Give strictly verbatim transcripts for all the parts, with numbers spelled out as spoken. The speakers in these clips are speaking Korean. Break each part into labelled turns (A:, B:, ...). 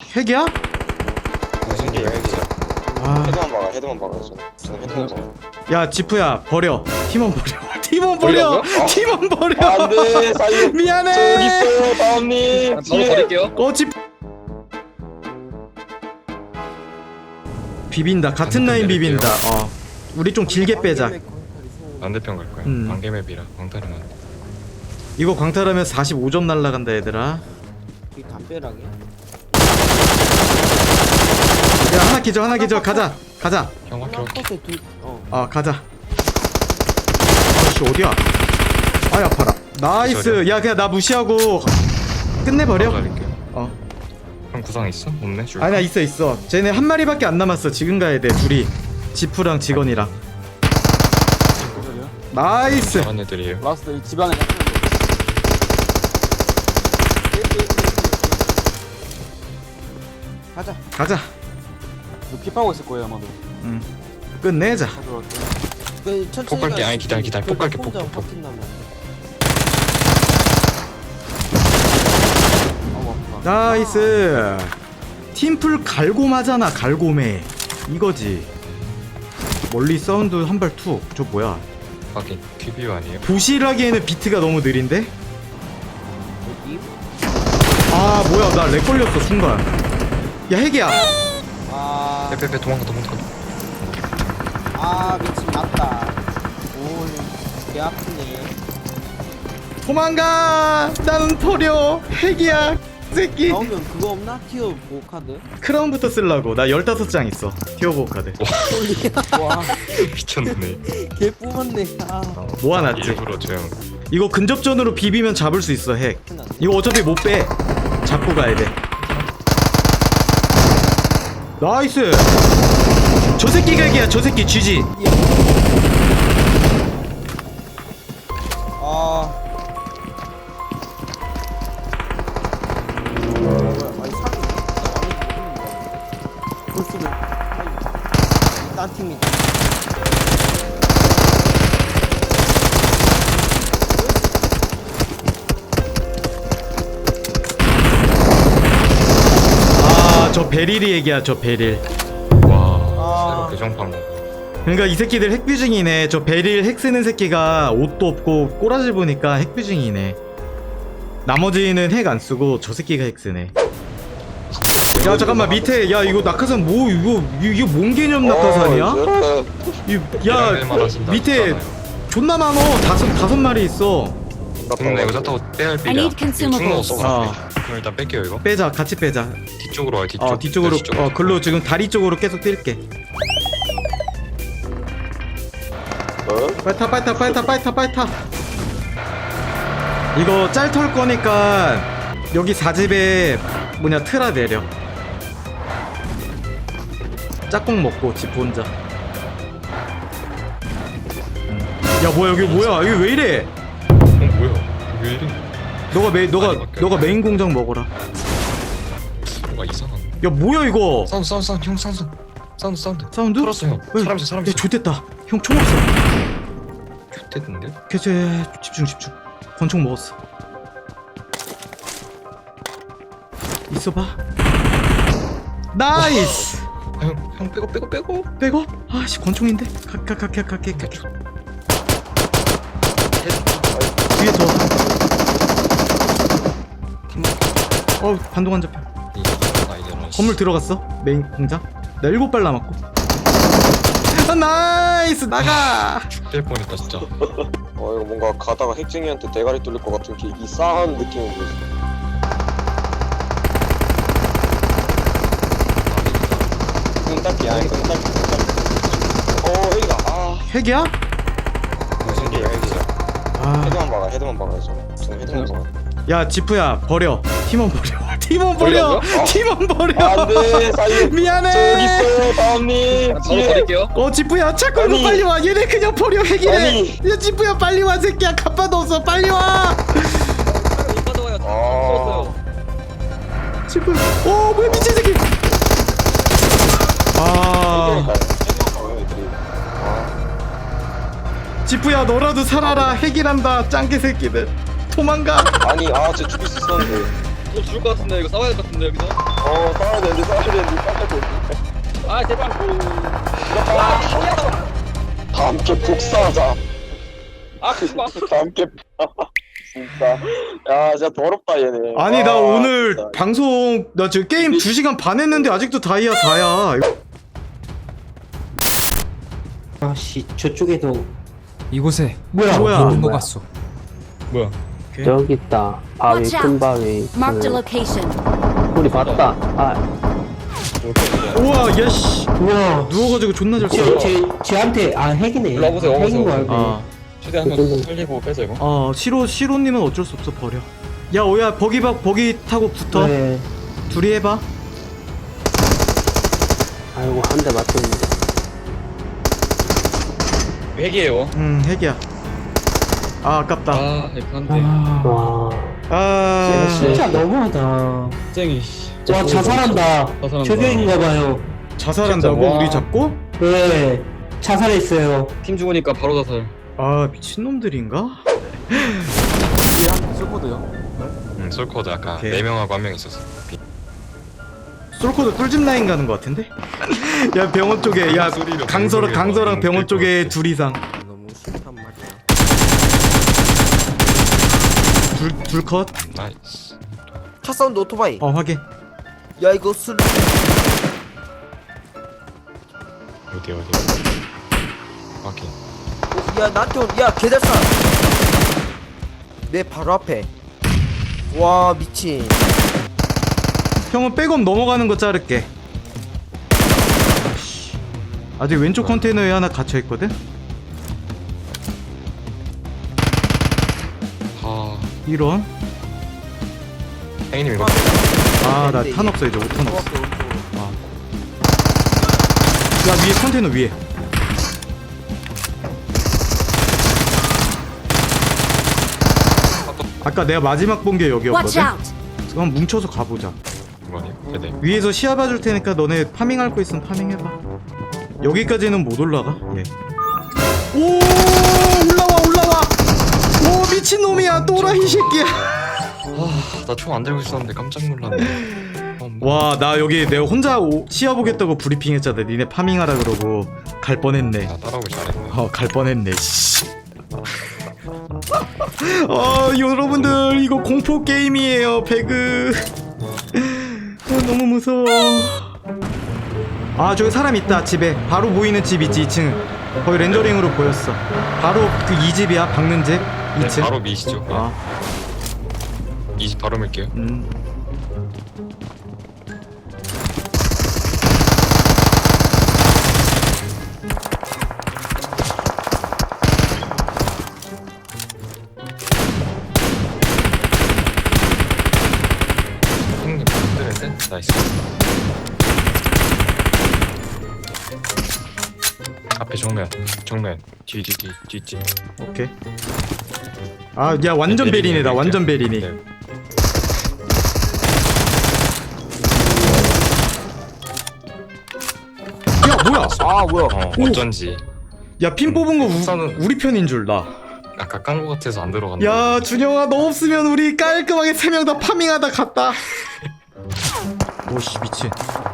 A: 핵이야?
B: 핵이에요 핵이에요.
A: 아,
B: 헤드만 박아 헤드만 박아 저는 저는 헤드만 박아.
A: 야 지프야 버려. 팀원 버려. 팀원 버려.
B: 버리라고요? 어?
A: 팀원 버려.
B: 안돼 사이
A: 미안해.
B: 저기 있어요 다음님
C: 바로 버릴게요.
A: 어 집. 비빈다. 같은 라인 비빈다. 어. 우리 좀 길게 빼자.
D: 반대편 갈 거야.
A: 음.
D: 반개맵이라 광탈은 안 돼.
A: 이거 광탈하면 사십오 점 날라간다 얘들아.
C: 이 담벼락이야?
A: 야 하나 기절 하나 기절 가자 가자.
D: 형 확킬 확킬.
C: 컷에 둘. 어.
A: 아 가자. 아씨 어디야? 아이 아파라. 나이스.
D: 기절이야.
A: 야 그냥 나 무시하고 끝내버려.
D: 가릴게요.
A: 어.
D: 형 구상 있어? 없네. 줄.
A: 아니야 있어 있어. 쟤네 한 마리밖에 안 남았어. 지금 가야 돼 둘이. 지프랑 직원이랑. 나이스.
D: 잘한 애들이에요.
C: 라스트 이 집안에. 가자.
A: 가자.
C: 이거 피 파고 있을 거예요 아마도.
A: 응. 끝내자.
C: 가져갈게. 그 천천히.
D: 폭갈게. 아니, 기다려, 기다려. 폭갈게, 폭, 폭, 폭.
A: 나이스. 팀플 갈고마잖아. 갈고매. 이거지. 멀리 사운드 한 발 툭. 저 뭐야?
D: 확인. 큐비오 아니에요?
A: 부실하기에는 비트가 너무 느린데?
C: 여기.
A: 아 뭐야 나 렉 걸렸어 순간. 야 핵이야.
C: 아.
D: 빼빼빼 도망가 도망가.
C: 아 미친 맞다. 오. 개 아프네.
A: 도망가. 나는 버려. 핵이야. 새끼.
C: 나오면 그거 없나? 티어 보 카드.
A: 크라운부터 쓰려고. 나 열다섯 장 있어. 티어보 카드.
C: 와.
D: 미쳤네.
C: 개 뽑았네. 아.
D: 어,
A: 모아놨지.
D: 일부러 저 형.
A: 이거 근접전으로 비비면 잡을 수 있어 핵. 이거 어차피 못 빼. 잡고 가야 돼. 나이스. 저 새끼 각이야. 저 새끼 쥐지.
C: 아. 아니 사기. 볼수록 딴 팀이다.
A: 아, 저 베릴이 얘기야. 저 베릴.
D: 와.
C: 아.
D: 새로 개정판.
A: 그러니까 이 새끼들 핵뷰징이네. 저 베릴 핵 쓰는 새끼가 옷도 없고 꼬라지 보니까 핵뷰징이네. 나머지는 핵 안 쓰고 저 새끼가 핵 쓰네. 야 잠깐만 밑에 야 이거 낙하산 뭐 이거 이게 뭔 개념 낙하산이야?
B: 어,
A: 이, 야 밑에 존나 많어. 다섯 다섯 마리 있어.
D: 근데 이거 차 타고 빼야 할
E: I
D: 필이야.
E: need consumables.
A: 어.
D: 그럼 일단 뺄게요 이거.
A: 빼자. 같이 빼자.
D: 뒤쪽으로 와요 뒤쪽.
A: 어 뒤쪽으로.
D: 네, 뒤쪽으로.
A: 어 글로 지금 다리 쪽으로 계속 뛸게.
B: 어?
A: 빨리 타 빨리 타 빨리 타 빨리 타 빨리 타. 이거 짤 털 거니까 여기 사집에 뭐냐 트라 내려. 짝꿍 먹고 집 혼자. 응. 야 뭐야 여기 뭐야 여기 왜 이래?
D: 어 뭐야? 왜 이래?
A: 너가 메 너가
D: 많이 바뀌었네.
A: 너가 메인 공장 먹어라.
D: 뭔가 이상한.
A: 야 뭐야 이거?
D: 사운드 사운드 사운드 형 사운드 사운드 사운드.
A: 사운드?
D: 털었어 형.
A: 왜?
D: 사람 있어 사람
A: 야
D: 있어.
A: 좋댔다. 형 총 없어.
D: 됐는데?
A: 캐제 집중 집중. 권총 먹었어. 있어봐. 나이스.
D: 아, 형, 형 빼고 빼고 빼고.
A: 백업? 아씨 권총인데. 각각각각 각각 각. 위에 더. 어 반동 안 잡혀.
D: 아 이제는.
A: 건물 들어갔어. 메인 공장. 나 일곱 발 남았고. 아, 나이스 나가.
D: 뺄 뻔했다 진짜.
B: 어 이거 뭔가 가다가 핵쟁이한테 대가리 뚫릴 것 같은 게 이상한 느낌이 들었어. 끈딱기 아니 끈딱기 끈딱기. 어 핵이다. 아
A: 핵이야?
B: 핵이에요 핵이에요.
A: 아.
B: 헤드만 박아 헤드만 박아 저는 저는 헤드만 박아.
A: 야 지프야 버려. 팀원 버려. 팀원 버려.
B: 버리라고요? 어?
A: 팀원 버려.
B: 안돼 사이
A: 미안해.
B: 저기 있어요 다음님
C: 바로
B: 뒤에.
C: 버릴게요.
A: 어 지프야 차 끌고
B: 아니.
A: 빨리 와. 얘네 그냥 버려 핵이래.
B: 아니.
A: 야 지프야 빨리 와 새끼야. 갑바도 없어. 빨리 와.
C: 못 받아와요.
B: 아.
A: 지프. 어 뭐야 미친 새끼. 아
B: 헤드만 박아요 애들이. 아.
A: 지프야 너라도 살아라. 핵이란다. 짱개 새끼들. 도망가.
B: 아니 아쟤 죽일 수 있었는데.
C: 이거 죽을 것 같은데 이거 싸워야 될 것 같은데 여기서.
B: 어 싸워야 되는데 싸워야 되는데 싸워야 되는데
C: 아 제발.
B: 다 함께 복사하자.
C: 아 그만.
B: 다 함께 진짜 야 진짜 더럽다 얘네.
A: 아니 나
B: 아,
A: 오늘
B: 진짜.
A: 방송 나 지금 게임 두 시간 반 했는데 아직도 다이아 사야.
E: 아씨 저쪽에도
F: 이곳에
E: 뭐야
A: 뭐야?
F: 있는 것 같소.
D: 뭐야?
E: 저기 있다 바위
G: Watch
E: 큰
G: out.
E: 바위
G: Marked a
E: 그,
G: location.
E: 우리 봤다 아
A: 우와 야씨
E: 우와
A: 누워가지고 존나 잘 써.
E: 제, 제, 쟤한테 아 핵이네
D: 일로 와보세요,
E: 핵인 거
D: 와보세요.
E: 알고
A: 아,
D: 최대한 한번 살리고 빼자 이거.
A: 어 시로 시로님은 어쩔 수 없어 버려. 야 오야 버기 박 버기 타고 붙어.
E: 네.
A: 둘이 해봐.
E: 아이고 한 대 맞췄는데
D: 핵이에요.
A: 음 핵이야. 아 아깝다.
D: 아 핵한데.
E: 와
A: 아
E: 진짜 너무하다
D: 쟁이.
E: 와 자살한다
D: 자살한다.
E: 저격인가봐요
A: 자살한다고
D: 진짜, 와.
A: 우리 잡고?
E: 네 자살했어요
D: 팀 죽으니까 바로 자살.
A: 아 미친놈들인가?
F: 쓸고도요.
D: 응, 솔코드 아까
A: 오케이.
D: 네 명하고 한 명 있었어.
A: 솔코드 꿀집 라인 가는 것 같은데? 야 병원 쪽에 야
D: 소리를
A: 강서랑
D: 방송에
A: 강서랑
D: 막
A: 병원
D: 웃길
A: 쪽에
D: 것
A: 둘 이상
F: 너무 싫단 말이야.
A: 둘둘 컷.
D: 나이스.
H: 차 사운드 오토바이.
A: 어 확인.
H: 야 이거 술.
D: 어디 어디. 오케이.
H: 야 나한테 온. 야 개잘싸. 내 바로 앞에. 와 미친.
A: 형은 백업 넘어가는 거 자를게. 아씨. 아직 왼쪽 컨테이너에 하나 갇혀 있거든.
D: 아,
A: 이런.
D: 행님 이거.
A: 아 나 탄 없어 이제 오 탄 없어. 아. 야 위에 컨테이너 위에. 아까 내가 마지막 본 게
G: Watch
A: 여기였거든.
G: out.
A: 그럼 뭉쳐서 가보자.
D: 이거니? 네네.
A: 위에서 시야 봐줄 테니까 너네 파밍할 거 있으면 파밍해봐. 여기까지는 못 올라가. 예. 오 올라와 올라와. 오 미친놈이야 또라이 새끼야.
D: 아, 나 총 안 들고 있었는데 깜짝 놀랐네. 어, 뭐.
A: 와 나 여기 내가 혼자 오, 시야 보겠다고 브리핑했잖아. 니네 파밍하라 그러고 갈 뻔했네.
D: 나 따라오길 잘했네.
A: 어 갈 뻔했네. 씨. 어 여러분들 이거 공포 게임이에요. 배그. 어, 너무 무서워. 아 저기 사람 있다. 집에 바로 보이는 집 있지. 이 층 거의 렌더링으로 보였어. 바로 그 이 집이야. 박는 집
D: 네,
A: 이 층.
D: 바로 미시죠.
A: 아
D: 이 집 바로 밀게요.
A: 음.
D: 형님 힘들는데? 나이스. 앞에 정면, 정면, 뒤, 뒤, 뒤, 뒤, 뒤.
A: 오케이. 아 야 완전
D: 네,
A: 베리네다.
D: 베리네,
A: 완전 베리니.
D: 네.
A: 야 뭐야?
H: 아 뭐야.
D: 어,
A: 오.
D: 어쩐지
A: 야 핀 뽑은 거 우,
D: 우선은-
A: 우리 편인 줄 나.
D: 아까 깐 거 같아서 안 들어갔네.
A: 야 준영아 너 없으면 우리 깔끔하게 세 명 다 파밍하다 갔다. 오씨 미친.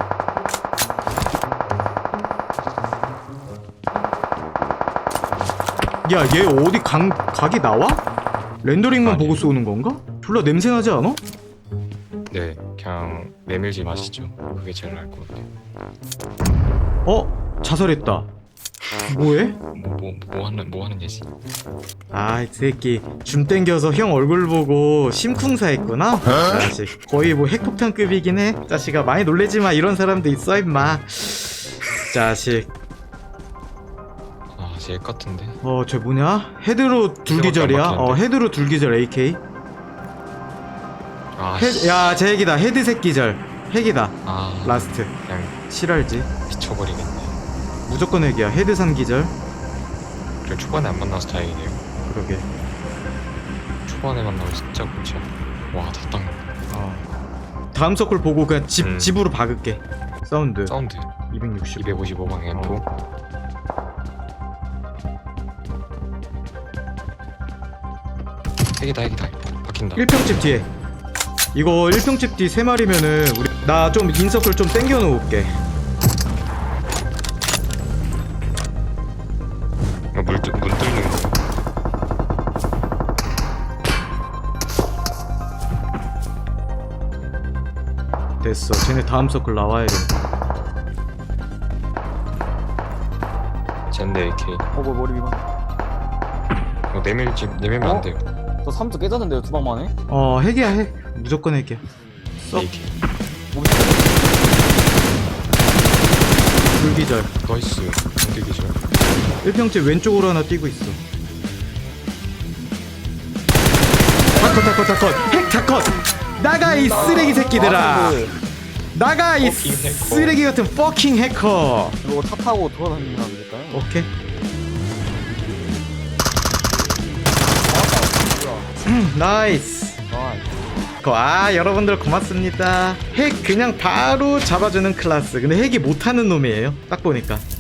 A: 야 얘 어디 강 각이 나와? 렌더링만
D: 아니.
A: 보고 쏘는 건가? 졸라 냄새 나지 않아?
D: 네, 그냥 메밀지 마시죠. 그게 제일 나을 것 같아요.
A: 어 자살했다. 뭐해?
D: 뭐, 뭐, 뭐 하는, 뭐 하는 예지?
A: 아이 새끼 줌 땡겨서 형 얼굴 보고 심쿵사 했구나. 자식 거의 뭐 핵폭탄급이긴 해. 자식아 많이 놀래지마. 이런 사람도 있어 임마. 자식.
D: 아, 제 같은데.
A: 어 저 뭐냐? 헤드로 둘기절이야.
D: 밖에 안
A: 어
D: 돼.
A: 헤드로 둘기절 에이케이.
D: 아,
A: 헤,
D: 씨.
A: 야제 핵이다. 헤드 새끼절. 핵이다.
D: 아,
A: 라스트.
D: 그냥
A: 실알지.
D: 미쳐버리겠네.
A: 무조건 핵이야. 헤드 삼기절.
D: 그래, 초반에 안 만나서 다행이네요.
A: 그러게.
D: 초반에 만나고 진짜 고쳐. 와, 다 땅.
A: 어. 다음 서클 보고 그냥 집
D: 음.
A: 집으로 박을게. 사운드.
D: 사운드.
A: 이백육십.
D: 이백오십오 방 앰프. 핵이다, 핵이다. 박힌다.
A: 일 평집 뒤에. 이거 일 평집 뒤 세 마리면은 우리 나 좀 인서클 좀 땡겨 놓을게.
D: 어, 물, 뚫- 문 뚫는 거.
A: 됐어. 쟤네 다음 서클 나와야 돼.
D: 젠데 에이케이.
C: 어, 뭐 머리 위반.
D: 이거 내밀지 내밀면
C: 어?
D: 안 돼요.
C: 저 삼 점 깨졌는데요, 두 방 만에?
A: 어 핵이야 핵. 무조건 핵이야. 썩.
D: 에이케이.
A: 불기절.
D: 나이스. 공격이죠.
A: 일 평집 왼쪽으로 하나 뛰고 있어. 다컷 다컷 다컷. 핵 다컷. 나가 이 쓰레기 새끼들아. 나가 이
D: 퍼킹 해커.
A: 쓰레기 같은 퍼킹 해커.
C: 이거 차 타고 돌아다니면 안 될까요?
A: 오케이. 나이스.
C: 아,
A: 아 여러분들 고맙습니다. 핵 그냥 바로 잡아주는 클라스. 근데 핵이 못하는 놈이에요 딱 보니까.